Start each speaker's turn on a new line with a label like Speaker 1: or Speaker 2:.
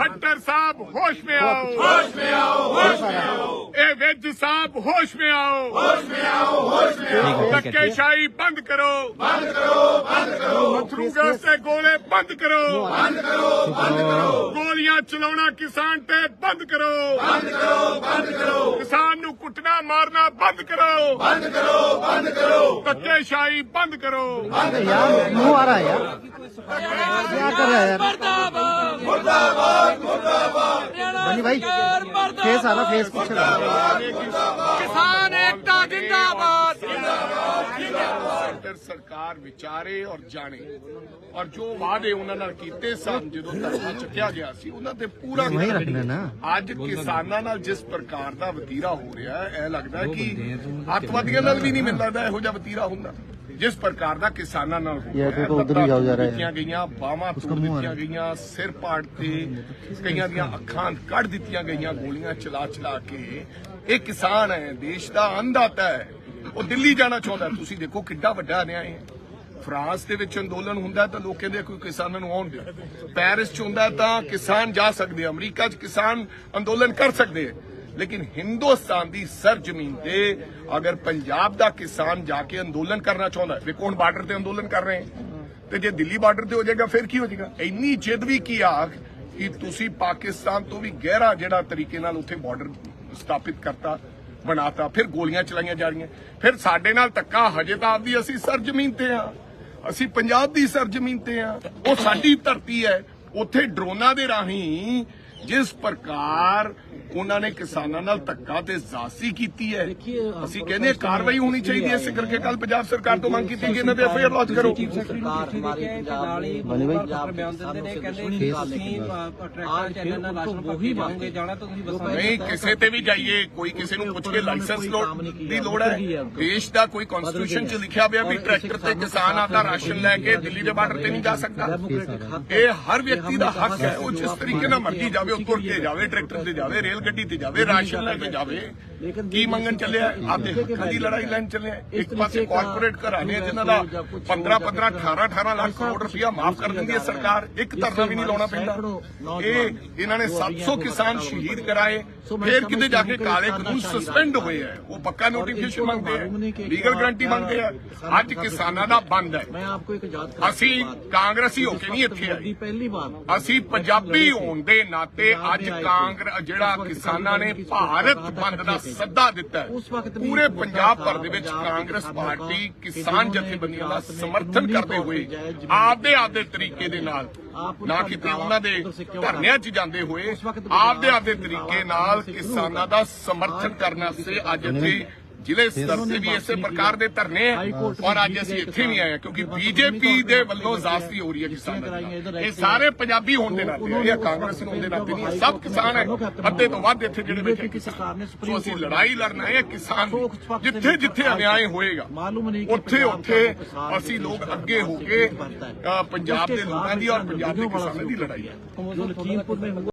Speaker 1: खट्टर साहब होश में आओ, होश में आओ, होश में आओ। ए विज साहब होश में आओ, होश में आओ, होश में आओ। धक्केशाही बंद करो, बंद करो, बंद करो। अथरू गैस से गोले बंद करो, बंद करो, बंद करो। गोलियां चलाना किसान ते बंद करो, बंद करो, बंद करो। किसान नू कुटना मारना बंद करो, बंद करो, बंद करो। धक्केशाही बंद करो।
Speaker 2: यार मुंह आ रहा है यार, क्या कर रहा है यार?
Speaker 3: मुर्दाबाद मुर्दाबाद मुर्दाबाद।
Speaker 2: बनी भाई फेस आ रहा, फेस पीछे
Speaker 3: किसान एकता जिंदाबाद।
Speaker 1: सेंटर सरकार विचारे और जाने और जो वादे उन्होंने कीते सन जो धरना चुकिया गया सी उन्होंने ते पूरा
Speaker 2: वही रखना ना।
Speaker 1: ਅੱਜ ਕਿਸਾਨਾਂ ਨਾਲ ਜਿਸ ਪ੍ਰਕਾਰ ਦਾ ਵਤੀਰਾ ਹੋ ਰਿਹਾ ਹੈ ਇਹ ਲੱਗਦਾ ਹੈ ਕਿ ਅੱਤਵਾਦੀਆਂ ਨਾਲ ਵੀ ਨਹੀਂ ਮਿਲਦਾ ਇਹੋ ਜਿਹਾ ਵਤੀਰਾ ਹੁੰਦਾ ਜਿਸ ਪ੍ਰਕਾਰ ਦਾ ਕਿਸਾਨਾਂ ਨਾਲ ਹੋ ਰਿਹਾ ਹੈ। ਦਿੱਤੀਆਂ ਗਈਆਂ ਬਾਹਾਂ ਤੋੜ ਦਿੱਤੀਆਂ ਗਈਆਂ, ਸਿਰ ਪਾੜ ਤੇ ਕਈਆਂ ਦੀਆਂ ਅੱਖਾਂ ਕੱਢ ਦਿੱਤੀਆਂ ਗਈਆਂ ਗੋਲੀਆਂ ਚਲਾ ਚਲਾ ਕੇ। ਇਹ ਕਿਸਾਨ ਹੈ, ਦੇਸ਼ ਦਾ ਅੰਨਦਾਤਾ ਹੈ, ਉਹ ਦਿੱਲੀ ਜਾਣਾ ਚਾਹੁੰਦਾ। ਤੁਸੀਂ ਦੇਖੋ ਕਿੱਡਾ ਵੱਡਾ ਅਨਿਆਏ ਹੈ। ਫਰਾਂਸ ਦੇ ਵਿੱਚ ਅੰਦੋਲਨ ਹੁੰਦਾ ਤਾਂ ਲੋਕ ਕਹਿੰਦੇ ਕੋਈ ਕਿਸਾਨਾਂ ਨੂੰ ਆਉਣ ਦਿਓ। ਪੈਰਿਸ 'ਚ ਹੁੰਦਾ ਤਾਂ ਕਿਸਾਨ ਜਾ ਸਕਦੇ, ਅਮਰੀਕਾ 'ਚ ਕਿਸਾਨ ਅੰਦੋਲਨ ਕਰ ਸਕਦੇ ਹੈ। लेकिन हिंदुस्तान की सरजमीन पे अगर पंजाब का किसान जाके अंदोलन करना चाहता है, देखो हम बार्डर से अंदोलन कर रहे हैं, तो जे दिल्ली बार्डर से हो जाएगा फिर की हो जाएगा। इन्नी जिद भी की आख कि तुसी पाकिस्तान तो भी गहरा जिहड़ा तरीके नाल उत्थे बॉर्डर स्थापित करता बनाता, फिर गोलियां चलाईयां जा रही, फिर साडे नाल धक्का हजे तां आपदी असीं सरजमीन ते हां, असीं पंजाब दी सरजमीन ते हां, वो साडी धरती है। उत्थे ड्रोनां दे राहीं जिस प्रकार उन्होंने किसानों नाल धक्का ते जासी कीती है, ਅਸੀਂ ਕਹਿੰਦੇ कार्रवाई होनी चाहिए। इस करके कल पंजाब सरकार तो मंग की कि इन्हां ते एफआईआर लॉन्च करो। नहीं किसी ते भी जाइए, कोई किसी को पुछ के लाइसेंस की लोड़ है। देश का कोई कॉन्स्टिट्यूशन च लिखा हुआ भी ट्रैक्टर से किसान आपका राशन लैके दिल्ली के बार्डर से नहीं जा सकता। ये हर व्यक्ति का हक है, वो जिस तरीके नाल मर्जी जावे, तुर के जावे, ट्रैक्टर से जावे, रेल गड्डी ते जावे, राशन लेके जावे। की मंगन चले आपके हकों की लड़ाई लैन चले। एक पास कॉर्पोरेट घराने जिन्हों का 15-15 18-18 लाख करोड़ रुपया माफ कर देंगी है सरकार, एक धरना भी नहीं लाना पैंदा। इन्होंने 700 किसान शहीद कराए, फिर किते जाके काले कानून सस्पेंड हुए हैं, वो पक्का नोटिफिकेशन मांगते हैं, लीगल गारंटी मांगते हैं। अज किसानों का बंद है। असी कांग्रेसी होके नहीं इत्थे आए,
Speaker 3: पहली बार
Speaker 1: असी पंजाबी होने के नाते अज कांग्रेस जिहड़ा किसानों ने भारत बंद का सद्दा दिता है, पूरे पंजाब भर दे विच कांग्रेस पार्टी किसान जथेबंदियों का समर्थन करते हुए आपदे आपदे तरीके दे नाल ना किते उन्हां दे धरनियां च जांदे हुए आपदे आपदे तरीके नाल किसानां दा समर्थन करना से अज इत्थे जिले स्तर से भी इसे प्रकार के धरने और अज असीं इत्थे भी आए क्योंकि बीजेपी दे वल्लों जास्ती हो रही है किसानां दी। ये सारे पंजाबी होने के नाते, ये कांग्रेस होने के नाते नहीं, सब किसान है, अद्धे तो वध इत्थे जिहड़े बैठे किसान। सो असीं लड़ाई लड़ना है किसान, जिथे जिथे अन्याय होएगा उत्थे उत्थे असीं लोग अगे होके पंजाब के लोगों की और पंजाब के किसानों की लड़ाई है।